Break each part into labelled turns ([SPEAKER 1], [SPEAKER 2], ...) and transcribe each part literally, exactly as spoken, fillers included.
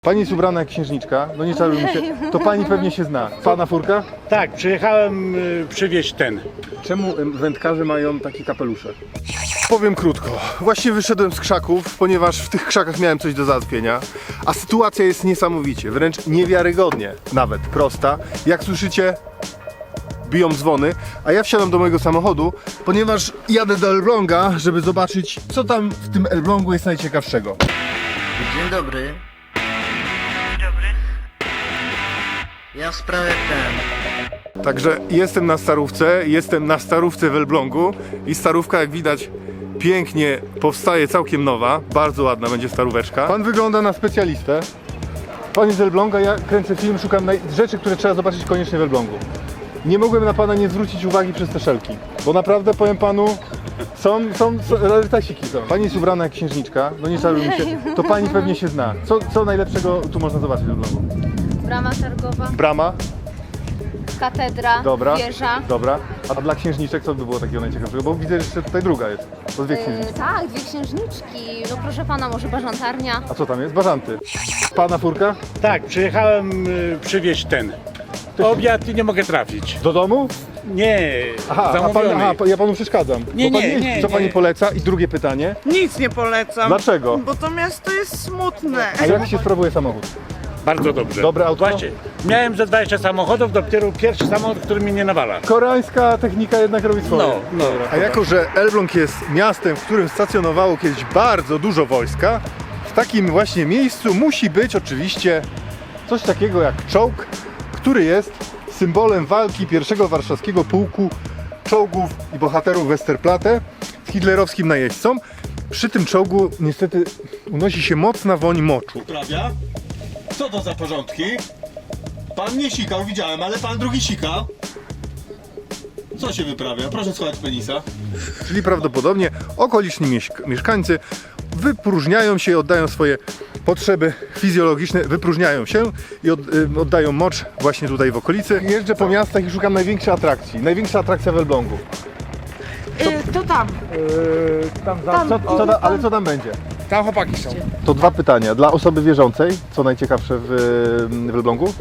[SPEAKER 1] Pani jest ubrana jak księżniczka, no nie czarujmy się, to pani pewnie się zna. Pana furka?
[SPEAKER 2] Tak, przyjechałem y, przywieźć ten.
[SPEAKER 1] Czemu wędkarze mają takie kapelusze? Powiem krótko. Właśnie wyszedłem z krzaków, ponieważ w tych krzakach miałem coś do załatwienia, a sytuacja jest niesamowicie, wręcz niewiarygodnie nawet prosta. Jak słyszycie, biją dzwony, a ja wsiadam do mojego samochodu, ponieważ jadę do Elbląga, żeby zobaczyć, co tam w tym Elblągu jest najciekawszego.
[SPEAKER 3] Dzień dobry.
[SPEAKER 4] Dzień dobry.
[SPEAKER 3] Ja w sprawie ten.
[SPEAKER 1] Także jestem na Starówce, jestem na Starówce w Elblągu i Starówka, jak widać, pięknie powstaje, całkiem nowa, bardzo ładna będzie Staróweczka. Pan wygląda na specjalistę. Pan jest z Elbląga, ja kręcę film, szukam naj- rzeczy, które trzeba zobaczyć koniecznie w Elblągu. Nie mogłem na pana nie zwrócić uwagi przez te szelki, bo naprawdę, powiem panu, są, są, są rarytasiki są. Pani jest ubrana jak księżniczka, no nie czarujmy się, to pani pewnie się zna. Co, co najlepszego tu można zobaczyć w Elblągu?
[SPEAKER 5] Brama targowa,
[SPEAKER 1] Brama,
[SPEAKER 5] katedra,
[SPEAKER 1] dobra,
[SPEAKER 5] wieża.
[SPEAKER 1] dobra. A dla księżniczek co by było takiego najciekawszego? Bo widzę, że jeszcze tutaj druga jest. To dwie
[SPEAKER 5] E,
[SPEAKER 1] księżniczki.
[SPEAKER 5] tak, dwie księżniczki. No proszę pana, może bażantarnia.
[SPEAKER 1] A co tam jest? Bażanty. Pana furka?
[SPEAKER 2] Tak, przyjechałem y, przywieźć ten. Obiad i nie mogę trafić.
[SPEAKER 1] Do domu?
[SPEAKER 2] Nie,
[SPEAKER 1] Aha, a pan,
[SPEAKER 2] zamówiony.
[SPEAKER 1] aha, ja panu przeszkadzam.
[SPEAKER 2] Nie,
[SPEAKER 1] Bo pan
[SPEAKER 2] nie, nie,
[SPEAKER 1] Co
[SPEAKER 2] nie.
[SPEAKER 1] pani poleca? I drugie pytanie.
[SPEAKER 4] Nic nie polecam.
[SPEAKER 1] Dlaczego?
[SPEAKER 4] Bo to miasto jest smutne.
[SPEAKER 1] A jak się sprawuje samochód?
[SPEAKER 2] Bardzo dobrze.
[SPEAKER 1] Dobre auto?
[SPEAKER 2] Właśnie, miałem ze dwadzieścia samochodów, dopiero pierwszy samochód, który mnie nie nawala.
[SPEAKER 1] Koreańska technika jednak robi swoje.
[SPEAKER 2] No, no.
[SPEAKER 1] A jako, że Elbląg jest miastem, w którym stacjonowało kiedyś bardzo dużo wojska, w takim właśnie miejscu musi być oczywiście coś takiego jak czołg, który jest symbolem walki pierwszego warszawskiego pułku czołgów i bohaterów Westerplatte z hitlerowskim najeźdźcą. Przy tym czołgu niestety unosi się mocna woń moczu.
[SPEAKER 6] Prawia? Co to za porządki? Pan nie sikał, widziałem, ale pan drugi sikał. Co się wyprawia? Proszę słuchać penisa.
[SPEAKER 1] Czyli prawdopodobnie okoliczni mieszk- mieszkańcy wypróżniają się, oddają swoje potrzeby fizjologiczne, wypróżniają się i od, y, oddają mocz właśnie tutaj w okolicy. Jeżdżę po miastach i szukam największej atrakcji. Największa atrakcja w Elblągu.
[SPEAKER 4] Y, to tam.
[SPEAKER 1] Yy, tam, za, co, co da, ale co tam będzie?
[SPEAKER 7] Tam chłopaki są.
[SPEAKER 1] To dwa pytania. Dla osoby wierzącej, co najciekawsze w, w Elblągu?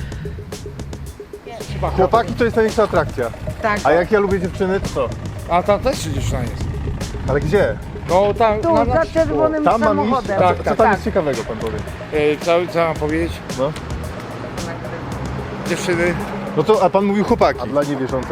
[SPEAKER 1] Chłopaki to jest największa atrakcja.
[SPEAKER 4] Tak.
[SPEAKER 1] A jak ja lubię dziewczyny, to co?
[SPEAKER 7] A tam też dziewczyna jest.
[SPEAKER 1] Ale gdzie?
[SPEAKER 7] No tam,
[SPEAKER 4] Tu,
[SPEAKER 7] na,
[SPEAKER 4] za czerwonym
[SPEAKER 1] Tam mam iść?
[SPEAKER 4] samochodem.
[SPEAKER 1] A
[SPEAKER 7] Tak,
[SPEAKER 1] co,
[SPEAKER 7] tak,
[SPEAKER 1] co tam
[SPEAKER 4] tak.
[SPEAKER 1] jest ciekawego, pan powie?
[SPEAKER 7] e, co, co mam powiedzieć?
[SPEAKER 1] No.
[SPEAKER 7] Dziewczyny.
[SPEAKER 1] No to, a pan mówił chłopaki. A dla niewierzącej?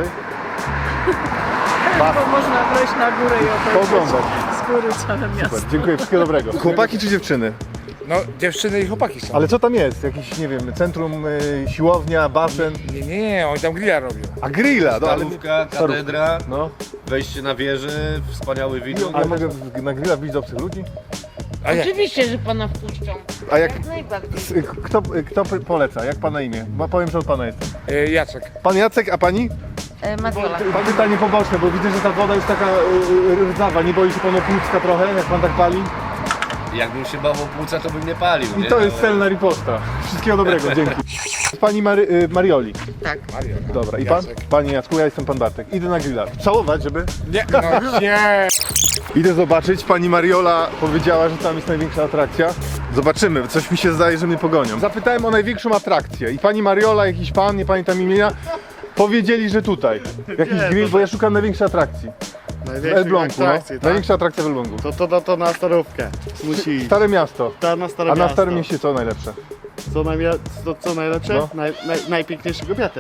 [SPEAKER 4] Bo można wejść na górę i obejrzeć
[SPEAKER 1] Pooglądać.
[SPEAKER 4] z góry całe miasto.
[SPEAKER 1] Super, dziękuję, wszystkiego dobrego. Chłopaki czy dziewczyny?
[SPEAKER 7] No dziewczyny i chłopaki są.
[SPEAKER 1] Ale co tam jest? Jakieś, nie wiem, centrum, y, siłownia, basen?
[SPEAKER 7] Nie, nie, nie, oni tam grilla robią.
[SPEAKER 1] A grilla, no ale...
[SPEAKER 6] Starówka, katedra,
[SPEAKER 1] No.
[SPEAKER 6] wejście na wieżę, wspaniały widok.
[SPEAKER 1] A mogę w- na grilla wbić do obcych ludzi?
[SPEAKER 7] A jak?
[SPEAKER 4] Oczywiście, że pana wpuszczą.
[SPEAKER 1] A jak...
[SPEAKER 4] Jak najbardziej.
[SPEAKER 1] s- Kto, kto poleca? Jak pana imię? Bo powiem, że od pana jestem.
[SPEAKER 7] E, Jacek.
[SPEAKER 1] Pan Jacek, a pani?
[SPEAKER 4] E, Madiola.
[SPEAKER 1] Pan pytanie poboczne, bo widzę, że ta woda jest taka y, y, rdzawa. Nie boi się pan o płucka trochę, jak pan tak pali?
[SPEAKER 6] Jakbym się bał o płuca, to bym nie palił,
[SPEAKER 1] I
[SPEAKER 6] nie?
[SPEAKER 1] to jest celna riposta. Wszystkiego dobrego, dzięki. Pani Mary, y, Marioli.
[SPEAKER 4] Tak.
[SPEAKER 7] Mario.
[SPEAKER 1] Dobra, i pan?
[SPEAKER 7] Jacek.
[SPEAKER 1] Panie Jacku, ja jestem pan Bartek. Idę na grilla. Całować, żeby...
[SPEAKER 7] Nie, no nie.
[SPEAKER 1] Idę zobaczyć, pani Mariola powiedziała, że tam jest największa atrakcja. Zobaczymy, coś mi się zdaje, że mnie pogonią. Zapytałem o największą atrakcję i pani Mariola, jakiś pan, nie pamiętam imienia, powiedzieli, że tutaj. Jakiś grill, bo ja szukam największej atrakcji. W
[SPEAKER 8] Największej
[SPEAKER 1] Elblągu, no.
[SPEAKER 8] atrakcji, tak?
[SPEAKER 1] Największa atrakcja w Elblągu.
[SPEAKER 8] To, to, to, to na Starówkę. Musi iść.
[SPEAKER 1] Stare miasto.
[SPEAKER 8] Ta na Stare
[SPEAKER 1] A na
[SPEAKER 8] Miasto.
[SPEAKER 1] Starym Mieście co najlepsze?
[SPEAKER 8] Co, najmia- co, co najlepsze?
[SPEAKER 1] No.
[SPEAKER 8] Naj, naj, najpiękniejsze kobiety.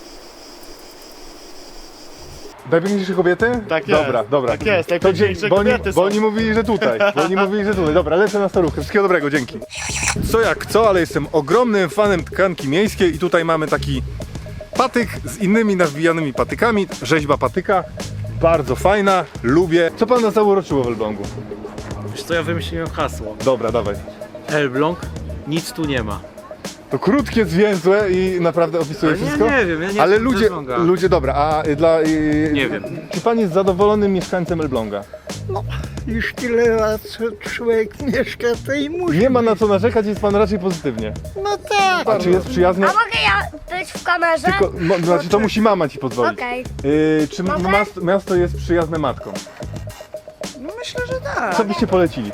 [SPEAKER 1] Najpiękniejsze kobiety?
[SPEAKER 8] Tak jest.
[SPEAKER 1] Dobra, dobra.
[SPEAKER 8] Tak jest,
[SPEAKER 1] To
[SPEAKER 8] najpiękniejsze
[SPEAKER 1] dzie- bo, oni,
[SPEAKER 8] kobiety
[SPEAKER 1] bo
[SPEAKER 8] są.
[SPEAKER 1] oni mówili, że tutaj. Bo oni mówili, że tutaj. Dobra, lecę na Starówkę. Wszystkiego dobrego, dzięki. Co jak co, ale jestem ogromnym fanem tkanki miejskiej i tutaj mamy taki patyk z innymi nawbijanymi patykami. Rzeźba patyka. Bardzo fajna, lubię. Co pan nas zauroczyło w Elblągu?
[SPEAKER 9] Wiesz co, ja wymyśliłem hasło.
[SPEAKER 1] Dobra, dawaj.
[SPEAKER 9] Elbląg, nic tu nie ma.
[SPEAKER 1] To krótkie, zwięzłe i naprawdę opisuje
[SPEAKER 9] Ale ja
[SPEAKER 1] wszystko?
[SPEAKER 9] nie wiem, ja nie
[SPEAKER 1] Ale
[SPEAKER 9] jestem z
[SPEAKER 1] ludzie,
[SPEAKER 9] Elbląga.
[SPEAKER 1] ludzie, dobra, a y, dla... y,
[SPEAKER 9] Nie wiem.
[SPEAKER 1] Czy pan jest zadowolonym mieszkańcem Elbląga?
[SPEAKER 4] Już tyle lat człowiek mieszka, to i musi.
[SPEAKER 1] Nie ma na co narzekać, jest pan raczej pozytywnie.
[SPEAKER 4] No tak.
[SPEAKER 1] A czy jest przyjazny?
[SPEAKER 10] A mogę ja być w kamerze?
[SPEAKER 1] Tylko, no, znaczy to musi mama ci pozwolić.
[SPEAKER 10] Okej.
[SPEAKER 1] Y, czy
[SPEAKER 10] Mogę?
[SPEAKER 1] miasto, miasto jest przyjazne matkom?
[SPEAKER 4] No myślę, że tak.
[SPEAKER 1] Co byście polecili?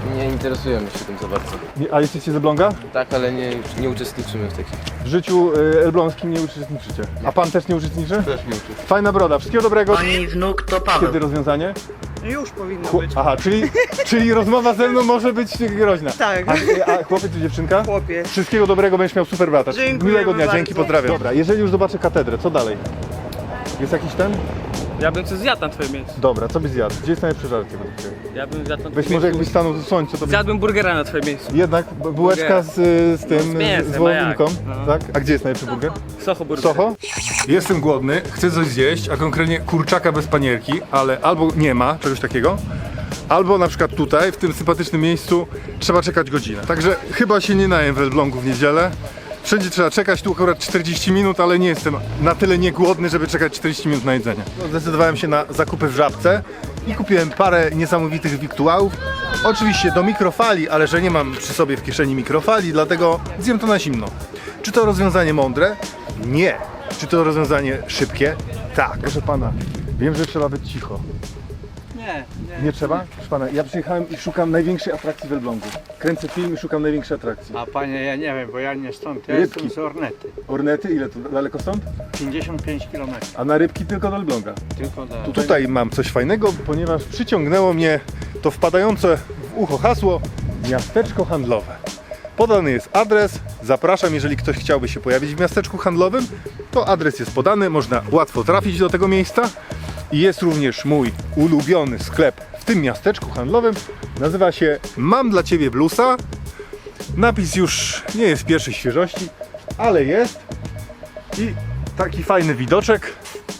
[SPEAKER 11] Nie interesujemy się tym za bardzo.
[SPEAKER 1] Nie, a jesteście z Elbląga?
[SPEAKER 11] Tak, ale nie, nie uczestniczymy w takich.
[SPEAKER 1] W życiu y, elbląskim nie uczestniczycie. A pan też nie uczestniczy?
[SPEAKER 11] Też nie uczestniczymy.
[SPEAKER 1] Fajna broda, wszystkiego dobrego.
[SPEAKER 3] Pani wnuk to Paweł.
[SPEAKER 1] Kiedy rozwiązanie?
[SPEAKER 4] Już powinno
[SPEAKER 1] Chłop- Aha, czyli, czyli rozmowa ze mną może być groźna.
[SPEAKER 4] Tak.
[SPEAKER 1] A, a chłopiec czy dziewczynka?
[SPEAKER 4] Chłopiec.
[SPEAKER 1] Wszystkiego dobrego, będziesz miał super brata.
[SPEAKER 4] Dziękujemy
[SPEAKER 1] Miłego dnia,
[SPEAKER 4] bardzo.
[SPEAKER 1] dzięki, pozdrawiam. Dobra, jeżeli już zobaczę katedrę, co dalej? Jest jakiś ten?
[SPEAKER 9] Ja bym coś zjadł na twoje miejsce.
[SPEAKER 1] Dobra, co byś zjadł? Gdzie jest najlepsze żarcie według ciebie?
[SPEAKER 9] Ja bym zjadł na
[SPEAKER 1] Weź
[SPEAKER 9] twoje
[SPEAKER 1] może
[SPEAKER 9] miejsce.
[SPEAKER 1] jakbyś stanął w słońcu, to byś...
[SPEAKER 9] Zjadłbym burgera na twoje miejsce.
[SPEAKER 1] Jednak b- bułeczka z, z tym,
[SPEAKER 9] Z mięsem,
[SPEAKER 1] z
[SPEAKER 9] a
[SPEAKER 1] wołowinką,
[SPEAKER 9] jak? No.
[SPEAKER 1] tak? A gdzie jest najlepszy burger?
[SPEAKER 9] Socho burger.
[SPEAKER 1] Soho? Jestem głodny, chcę coś zjeść, a konkretnie kurczaka bez panierki, ale albo nie ma czegoś takiego, albo na przykład tutaj, w tym sympatycznym miejscu, trzeba czekać godzinę. Także chyba się nie najem w Elblągu w niedzielę. Wszędzie trzeba czekać, tu akurat czterdzieści minut, ale nie jestem na tyle niegłodny, żeby czekać czterdzieści minut na jedzenie. No, zdecydowałem się na zakupy w Żabce i kupiłem parę niesamowitych wiktuałów. Oczywiście do mikrofali, ale że nie mam przy sobie w kieszeni mikrofali, dlatego zjem to na zimno. Czy to rozwiązanie mądre? Nie. Czy to rozwiązanie szybkie? Tak. Proszę pana, wiem, że trzeba być cicho.
[SPEAKER 9] Nie, nie.
[SPEAKER 1] Nie trzeba? Proszę pana, ja przyjechałem i szukam największej atrakcji w Elblągu. Kręcę film i szukam największej atrakcji.
[SPEAKER 2] A panie, ja nie wiem, bo ja nie stąd, ja
[SPEAKER 1] Rybki.
[SPEAKER 2] jestem z Ornety.
[SPEAKER 1] Ornety, ile to daleko stąd?
[SPEAKER 2] pięćdziesiąt pięć kilometrów,
[SPEAKER 1] A na rybki tylko do Elbląga.
[SPEAKER 2] tylko do...
[SPEAKER 1] Tutaj mam coś fajnego, ponieważ przyciągnęło mnie to wpadające w ucho hasło miasteczko handlowe. Podany jest adres, zapraszam, jeżeli ktoś chciałby się pojawić w miasteczku handlowym, to adres jest podany, można łatwo trafić do tego miejsca. I jest również mój ulubiony sklep w tym miasteczku handlowym, nazywa się Mam dla Ciebie Bluesa. Napis już nie jest pierwszej świeżości, ale jest i taki fajny widoczek.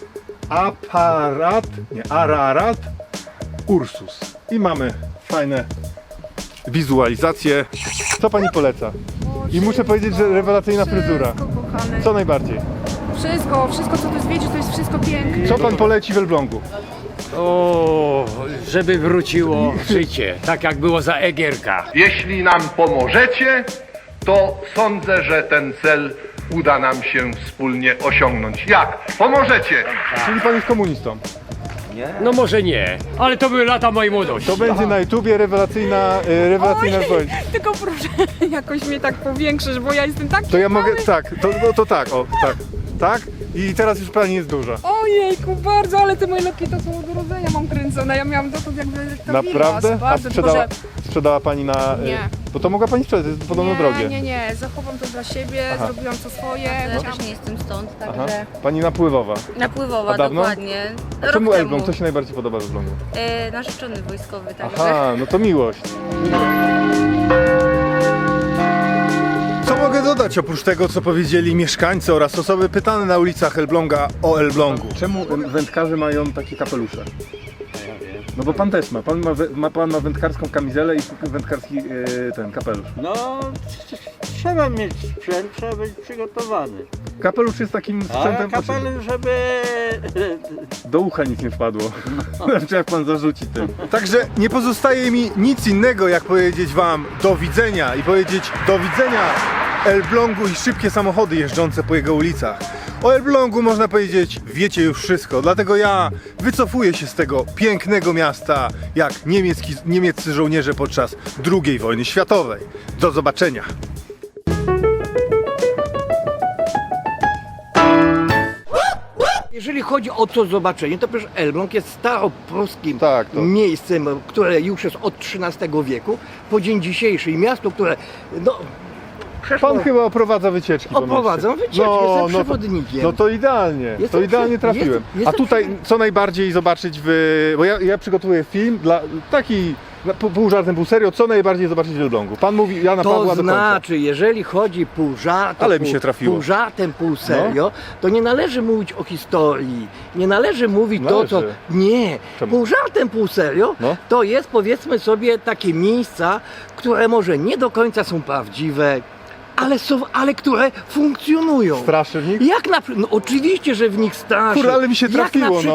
[SPEAKER 1] Aparat, nie, Ararat Ursus. I mamy fajne wizualizacje. Co pani poleca? I muszę powiedzieć, że rewelacyjna fryzura. Co najbardziej?
[SPEAKER 5] Wszystko, wszystko co tu zwiedzisz, to jest wszystko piękne.
[SPEAKER 1] Co pan poleci w Elblągu?
[SPEAKER 12] O, żeby wróciło życie, tak jak było za Egierka.
[SPEAKER 13] Jeśli nam pomożecie, to sądzę, że ten cel uda nam się wspólnie osiągnąć. Jak? Pomożecie!
[SPEAKER 1] Czyli pan jest komunistą.
[SPEAKER 12] No może nie, ale to były lata mojej młodości.
[SPEAKER 1] To będzie na YouTubie rewelacyjna, e, rewelacyjna odpowiedź.
[SPEAKER 5] Tylko proszę jakoś mnie tak powiększysz, bo ja jestem taki
[SPEAKER 1] To ja mogę, tak, to, no, to tak, o, tak, tak. I teraz już pani jest duża.
[SPEAKER 5] Ojejku, bardzo, ale te moje loki to są od urodzenia mam kręcone. Ja miałam dotąd jakby to
[SPEAKER 1] Naprawdę? A
[SPEAKER 5] bardzo
[SPEAKER 1] sprzedała, sprzedała pani na... e,
[SPEAKER 5] Nie.
[SPEAKER 1] Bo to mogła pani sprzedać, jest podobno
[SPEAKER 5] nie,
[SPEAKER 1] drogie.
[SPEAKER 5] nie, nie, zachowam to dla siebie,
[SPEAKER 1] Aha.
[SPEAKER 5] zrobiłam to swoje.
[SPEAKER 10] Ja też nie jestem stąd,
[SPEAKER 1] Aha.
[SPEAKER 10] także
[SPEAKER 1] Pani napływowa.
[SPEAKER 10] napływowa,
[SPEAKER 1] A dawno?
[SPEAKER 10] dokładnie.
[SPEAKER 1] A
[SPEAKER 10] Rok
[SPEAKER 1] czemu
[SPEAKER 10] temu.
[SPEAKER 1] Elbląg? Co się najbardziej podoba w Elblągu?
[SPEAKER 10] E, narzeczony wojskowy, także.
[SPEAKER 1] Aha, no to miłość. Co mogę dodać oprócz tego, co powiedzieli mieszkańcy oraz osoby pytane na ulicach Elbląga o Elblągu? Czemu wędkarze mają takie kapelusze? No bo pan też ma. Pan ma, wę- ma, pan ma wędkarską kamizelę i wędkarski e, ten kapelusz.
[SPEAKER 2] No, trzeba mieć sprzęt, trzeba być przygotowany.
[SPEAKER 1] Kapelusz jest takim
[SPEAKER 2] A
[SPEAKER 1] sprzętem,
[SPEAKER 2] kapelem, żeby...
[SPEAKER 1] do ucha nic nie wpadło. Znaczy jak pan zarzuci tym. Także nie pozostaje mi nic innego, jak powiedzieć wam do widzenia i powiedzieć do widzenia Elblągu i szybkie samochody jeżdżące po jego ulicach. O Elblągu można powiedzieć, wiecie już wszystko, dlatego ja wycofuję się z tego pięknego miasta, jak niemiecki, niemieccy żołnierze podczas drugiej wojny światowej. Do zobaczenia!
[SPEAKER 12] Jeżeli chodzi o to zobaczenie, to przecież Elbląg jest staropruskim
[SPEAKER 1] Tak, to-
[SPEAKER 12] miejscem, które już jest od trzynastego wieku po dzień dzisiejszy i miasto, które no przeszło...
[SPEAKER 1] Pan chyba oprowadza wycieczki po mieście.
[SPEAKER 12] Oprowadzam wycieczki, jestem
[SPEAKER 1] no, to,
[SPEAKER 12] przewodnikiem.
[SPEAKER 1] no to idealnie, to
[SPEAKER 12] Jestem
[SPEAKER 1] idealnie
[SPEAKER 12] przy-
[SPEAKER 1] trafiłem.
[SPEAKER 12] jestem- jestem
[SPEAKER 1] A tutaj
[SPEAKER 12] przy-
[SPEAKER 1] co najbardziej zobaczyć w... Bo ja, ja przygotowuję film dla taki na- pół, pół żartem, pół serio, co najbardziej zobaczyć w Elblągu. Pan mówi Jana Pawła
[SPEAKER 12] To
[SPEAKER 1] do końca.
[SPEAKER 12] znaczy, jeżeli chodzi pół żartem,
[SPEAKER 1] Ale mi
[SPEAKER 12] pół,
[SPEAKER 1] się trafiło.
[SPEAKER 12] pół żartem, pół serio, to nie należy mówić o historii, nie należy mówić to, co...
[SPEAKER 1] Należy.
[SPEAKER 12] Nie,
[SPEAKER 1] Czemu?
[SPEAKER 12] pół żartem, pół serio,
[SPEAKER 1] No.
[SPEAKER 12] to jest powiedzmy sobie takie miejsca, które może nie do końca są prawdziwe, ale są, ale które funkcjonują.
[SPEAKER 1] Straszy w nich?
[SPEAKER 12] Jak na przykład, no oczywiście, że w nich straszy.
[SPEAKER 1] Kurde, ale mi się trafiło,
[SPEAKER 12] Jak na przykład,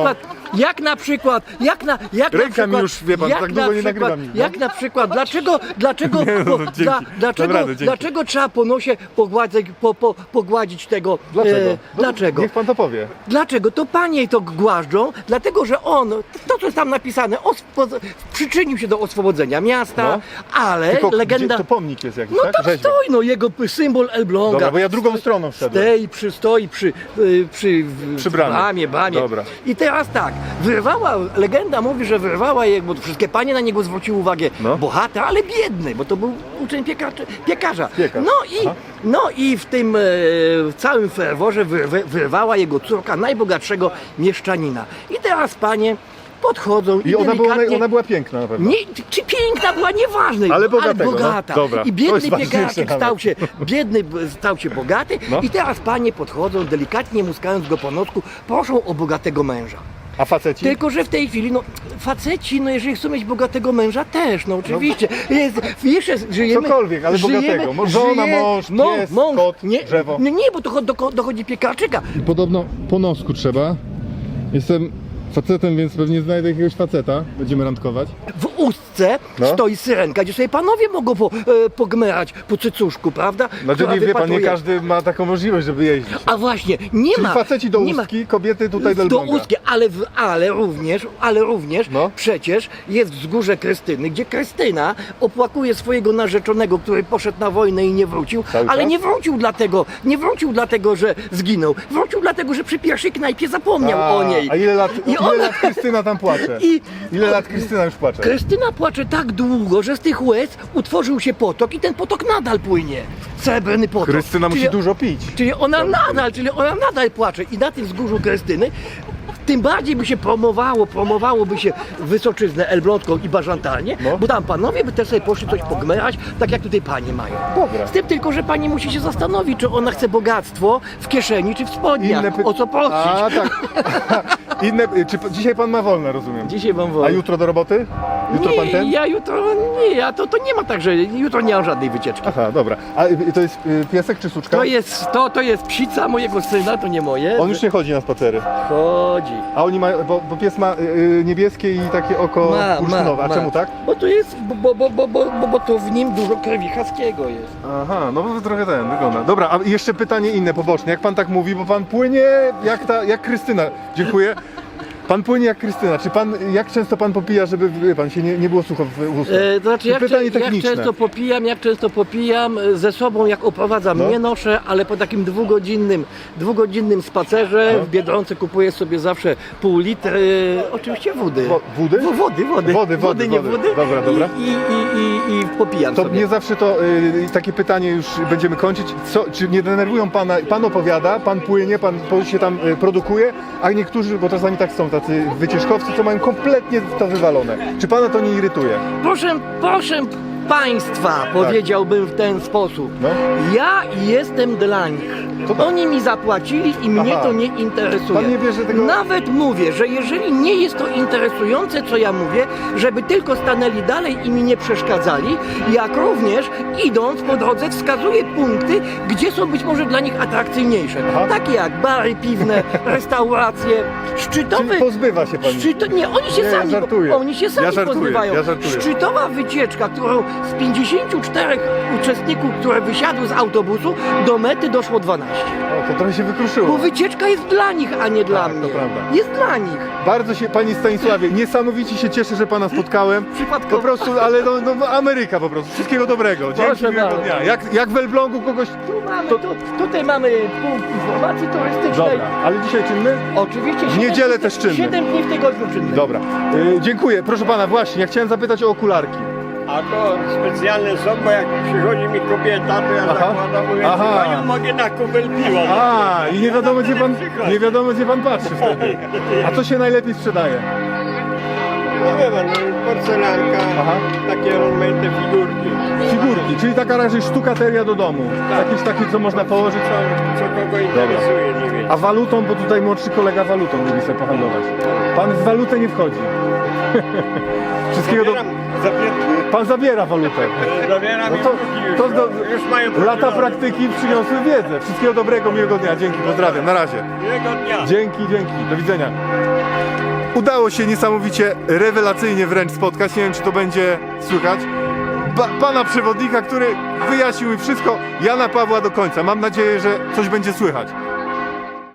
[SPEAKER 12] Jak na przykład, jak na, jak na
[SPEAKER 1] Ręka
[SPEAKER 12] przykład,
[SPEAKER 1] mi już, wie pan,
[SPEAKER 12] jak
[SPEAKER 1] tak
[SPEAKER 12] na
[SPEAKER 1] długo nie
[SPEAKER 12] przykład,
[SPEAKER 1] nagrywa mi, no.
[SPEAKER 12] Jak na przykład, dlaczego, dlaczego,
[SPEAKER 1] Nie, no,
[SPEAKER 12] po,
[SPEAKER 1] dzięki.
[SPEAKER 12] dla, dlaczego,
[SPEAKER 1] Naprawdę, dzięki.
[SPEAKER 12] dlaczego trzeba po nosie pogładzić, po, po, pogładzić tego,
[SPEAKER 1] Dlaczego?
[SPEAKER 12] e,
[SPEAKER 1] No,
[SPEAKER 12] dlaczego?
[SPEAKER 1] Niech pan to powie.
[SPEAKER 12] Dlaczego? To panie to głaszczą, dlatego że on, to co jest tam napisane, ospo- przyczynił się do oswobodzenia miasta,
[SPEAKER 1] No.
[SPEAKER 12] ale
[SPEAKER 1] Tylko
[SPEAKER 12] legenda...
[SPEAKER 1] gdzie, to pomnik jest jakiś,
[SPEAKER 12] No
[SPEAKER 1] tak?
[SPEAKER 12] tam
[SPEAKER 1] Rzeźba.
[SPEAKER 12] stoi, no jego symbol Elbląga.
[SPEAKER 1] Dobra, bo ja drugą stroną wszedłem.
[SPEAKER 12] Stoi, przy, stoi przy, y, przy, w-
[SPEAKER 1] Przy bramie.
[SPEAKER 12] bramie, bramie.
[SPEAKER 1] Dobra.
[SPEAKER 12] I teraz tak, wyrwała, legenda mówi, że wyrwała je, bo wszystkie panie na niego zwróciły uwagę,
[SPEAKER 1] No.
[SPEAKER 12] bohater, ale biedny, bo to był uczeń piekarz, piekarza.
[SPEAKER 1] Piekarz.
[SPEAKER 12] No i,
[SPEAKER 1] Aha.
[SPEAKER 12] no i w tym e, w całym ferworze wyrwe, wyrwała jego córka najbogatszego mieszczanina. I teraz panie podchodzą i,
[SPEAKER 1] I ona była,
[SPEAKER 12] delikatnie...
[SPEAKER 1] ona była piękna na pewno.
[SPEAKER 12] Nie, czy piękna była, nieważne,
[SPEAKER 1] Ale bogatego, no.
[SPEAKER 12] bogata.
[SPEAKER 1] Dobra.
[SPEAKER 12] I
[SPEAKER 1] To
[SPEAKER 12] biedny
[SPEAKER 1] jest ważniejsze
[SPEAKER 12] piekarczyk
[SPEAKER 1] nawet.
[SPEAKER 12] stał się, biedny b- stał się bogaty
[SPEAKER 1] No.
[SPEAKER 12] i teraz panie podchodzą, delikatnie muskając go po nocku, proszą o bogatego męża.
[SPEAKER 1] A faceci?
[SPEAKER 12] Tylko, że w tej chwili, no faceci, no jeżeli chcą mieć bogatego męża też, no oczywiście. Jest, jeszcze żyjemy...
[SPEAKER 1] Cokolwiek, ale bogatego. Mo- żona, mąż, pies, kot,
[SPEAKER 12] nie,
[SPEAKER 1] drzewo.
[SPEAKER 12] Nie, nie, bo to cho- do, dochodzi piekarczyka.
[SPEAKER 1] Podobno po nosku trzeba. Jestem facetem, więc pewnie znajdę jakiegoś faceta. Będziemy randkować.
[SPEAKER 12] W ustce
[SPEAKER 1] No.
[SPEAKER 12] stoi syrenka, gdzie sobie panowie mogą po, e, pogmerać po cycuszku, prawda?
[SPEAKER 1] Znaczy
[SPEAKER 12] Która
[SPEAKER 1] nie wie pan, nie
[SPEAKER 12] wypatruje-
[SPEAKER 1] każdy ma taką możliwość, żeby jeździć.
[SPEAKER 12] A właśnie, nie
[SPEAKER 1] Czyli
[SPEAKER 12] ma.
[SPEAKER 1] faceci do
[SPEAKER 12] nie ma-
[SPEAKER 1] ustki, kobiety tutaj do
[SPEAKER 12] do
[SPEAKER 1] Elbląga.
[SPEAKER 12] ustki, ale, w, ale również, ale również
[SPEAKER 1] No.
[SPEAKER 12] przecież jest wzgórze Krystyny, gdzie Krystyna opłakuje swojego narzeczonego, który poszedł na wojnę i nie wrócił,
[SPEAKER 1] Cały
[SPEAKER 12] ale
[SPEAKER 1] czas?
[SPEAKER 12] nie wrócił dlatego, nie wrócił dlatego, że zginął. Wrócił dlatego, że przy pierwszej knajpie zapomniał
[SPEAKER 1] A,
[SPEAKER 12] o niej.
[SPEAKER 1] A ile lat,
[SPEAKER 12] I
[SPEAKER 1] ile
[SPEAKER 12] ona-
[SPEAKER 1] lat Krystyna tam płacze?
[SPEAKER 12] I-
[SPEAKER 1] Ile lat Krystyna już płacze?
[SPEAKER 12] Krystyna płacze tak długo, że z tych łez utworzył się potok i ten potok nadal płynie. Srebrny potok.
[SPEAKER 1] Krystyna musi
[SPEAKER 12] Czyli-
[SPEAKER 1] dużo pić.
[SPEAKER 12] Czyli ona nadal, czyli ona nadal płacze i na tym wzgórzu Krystyny tym bardziej by się promowało, promowałoby się Wysoczyznę Elbląską i Bażantalnię,
[SPEAKER 1] No.
[SPEAKER 12] bo tam panowie by też sobie poszli coś pogmerać, tak jak tutaj panie mają.
[SPEAKER 1] Dobra.
[SPEAKER 12] Z tym tylko, że pani musi się zastanowić, czy ona chce bogactwo w kieszeni, czy w spodniach.
[SPEAKER 1] py-
[SPEAKER 12] O co prosić?
[SPEAKER 1] A tak. Inne, czy p- dzisiaj pan ma wolne, rozumiem?
[SPEAKER 12] Dzisiaj mam wolę.
[SPEAKER 1] A jutro do roboty? Jutro
[SPEAKER 12] nie,
[SPEAKER 1] pan ten?
[SPEAKER 12] ja jutro, nie, ja to, to nie ma tak, że jutro nie mam żadnej wycieczki.
[SPEAKER 1] Aha, dobra. A y, to jest y, piesek czy suczka?
[SPEAKER 12] To jest, to, to jest psica mojego syna, to nie moje.
[SPEAKER 1] On już nie chodzi na spacery.
[SPEAKER 12] chodzi.
[SPEAKER 1] A oni mają, bo, bo pies ma y, y, niebieskie i takie oko
[SPEAKER 12] Ma,
[SPEAKER 1] bursztynowe. A
[SPEAKER 12] ma,
[SPEAKER 1] czemu
[SPEAKER 12] ma.
[SPEAKER 1] tak?
[SPEAKER 12] Bo to jest, bo, bo, bo, bo, bo, bo, bo to w nim dużo krwi haskiego jest.
[SPEAKER 1] Aha, no bo trochę ten wygląda. Dobra, a jeszcze pytanie inne poboczne. Jak pan tak mówi, bo pan płynie jak ta, jak Krystyna. Dziękuję. Pan płynie jak Krystyna. Czy pan, jak często pan popija, żeby wie pan się nie, nie było sucho w ustach?
[SPEAKER 12] E, to znaczy, jak,
[SPEAKER 1] pytanie
[SPEAKER 12] cze- jak
[SPEAKER 1] techniczne.
[SPEAKER 12] często popijam, jak często popijam, e, ze sobą jak oprowadzam,
[SPEAKER 1] No.
[SPEAKER 12] nie noszę, ale po takim dwugodzinnym, dwugodzinnym spacerze
[SPEAKER 1] No.
[SPEAKER 12] w Biedronce kupuję sobie zawsze pół litry, oczywiście wody.
[SPEAKER 1] Wo- wody?
[SPEAKER 12] Wo- Wody, wody.
[SPEAKER 1] Wody, wody,
[SPEAKER 12] nie
[SPEAKER 1] wody.
[SPEAKER 12] wody.
[SPEAKER 1] Dobra, dobra.
[SPEAKER 12] I, i, i, i, i popijam
[SPEAKER 1] To
[SPEAKER 12] sobie.
[SPEAKER 1] nie zawsze to y, takie pytanie już będziemy kończyć. Co, czy nie denerwują pana? Pan opowiada, pan płynie, pan po- się tam y, produkuje, a niektórzy, bo czasami tak są tacy wycieczkowcy, co mają kompletnie to wywalone. Czy pana to nie irytuje?
[SPEAKER 12] Proszę, proszę Państwa, powiedziałbym w ten sposób.
[SPEAKER 1] No.
[SPEAKER 12] Ja jestem dla nich.
[SPEAKER 1] To tak.
[SPEAKER 12] Oni mi zapłacili i mnie
[SPEAKER 1] Aha.
[SPEAKER 12] to nie interesuje.
[SPEAKER 1] Pan nie bierze tego-
[SPEAKER 12] Nawet mówię, że jeżeli nie jest to interesujące, co ja mówię, żeby tylko stanęli dalej i mi nie przeszkadzali, jak również idąc po drodze wskazuję punkty, gdzie są być może dla nich atrakcyjniejsze.
[SPEAKER 1] Aha.
[SPEAKER 12] Takie jak bary piwne, restauracje, szczytowe...
[SPEAKER 1] Czyli pozbywa się pan.
[SPEAKER 12] Szczyto... Nie, oni się
[SPEAKER 1] Nie, ja
[SPEAKER 12] sami,
[SPEAKER 1] żartuję.
[SPEAKER 12] oni się sami
[SPEAKER 1] Ja żartuję,
[SPEAKER 12] pozbywają.
[SPEAKER 1] ja żartuję.
[SPEAKER 12] Szczytowa wycieczka, którą z pięćdziesięciu czterech uczestników, które wysiadły z autobusu, do mety doszło dwanaście.
[SPEAKER 1] O, to trochę się wykruszyło.
[SPEAKER 12] Bo wycieczka jest dla nich, a nie dla
[SPEAKER 1] Tak, to
[SPEAKER 12] mnie.
[SPEAKER 1] prawda.
[SPEAKER 12] Jest dla nich.
[SPEAKER 1] Bardzo się, panie Stanisławie, niesamowicie się cieszę, że pana spotkałem.
[SPEAKER 12] Przypadkowo.
[SPEAKER 1] Po prostu, ale no, no, no Ameryka po prostu. Wszystkiego dobrego. Dzięki,
[SPEAKER 12] Proszę
[SPEAKER 1] miłego
[SPEAKER 12] bardzo.
[SPEAKER 1] dnia. Jak, jak w Elblągu kogoś...
[SPEAKER 12] Tu mamy,
[SPEAKER 1] To-
[SPEAKER 12] tu, tutaj mamy punkt informacji turystycznej.
[SPEAKER 1] Dobra, ale dzisiaj czynny?
[SPEAKER 12] Oczywiście.
[SPEAKER 1] W
[SPEAKER 12] siedem
[SPEAKER 1] niedzielę
[SPEAKER 12] dni-
[SPEAKER 1] też czynny.
[SPEAKER 12] siedem dni w tygodniu czynny.
[SPEAKER 1] Dobra. Y, dziękuję. Proszę pana, właśnie, ja chciałem zapytać o okularki.
[SPEAKER 2] A to specjalne są, bo jak przychodzi mi kobieta, to ja
[SPEAKER 1] Aha.
[SPEAKER 2] zakładam, mówię,
[SPEAKER 1] Aha.
[SPEAKER 2] panią mogę na kubel piwa.
[SPEAKER 1] A, i nie wiadomo gdzie pan, nie wiadomo gdzie pan patrzy wtedy. A co się najlepiej sprzedaje?
[SPEAKER 2] No wie pan, no, porcelanka,
[SPEAKER 1] Aha.
[SPEAKER 2] takie rozmaite figurki.
[SPEAKER 1] Figurki, czyli taka raczej sztukateria do domu. Jakieś takie, co można położyć.
[SPEAKER 2] Co, co kogo interesuje, nie wiem.
[SPEAKER 1] A walutą, bo tutaj młodszy kolega walutą lubi sobie pohandlować. Pan w walutę nie wchodzi. Wszystkiego do...
[SPEAKER 2] Zabieram, zabier,
[SPEAKER 1] Pan zabiera walutę.
[SPEAKER 2] zabieram
[SPEAKER 1] No
[SPEAKER 2] i
[SPEAKER 1] to-
[SPEAKER 2] drugi już,
[SPEAKER 1] to
[SPEAKER 2] no,
[SPEAKER 1] do-
[SPEAKER 2] już mają
[SPEAKER 1] Lata
[SPEAKER 2] podzielone.
[SPEAKER 1] praktyki przyniosły wiedzę. Wszystkiego dobrego, miłego dnia. Dzięki, pozdrawiam. Na razie.
[SPEAKER 2] Miłego dnia.
[SPEAKER 1] Dzięki, dzięki. Do widzenia. Udało się niesamowicie, rewelacyjnie wręcz spotkać. Nie wiem, czy to będzie słychać. Ba pana przewodnika, który wyjaśnił mi wszystko. Jana Pawła do końca. Mam nadzieję, że coś będzie słychać.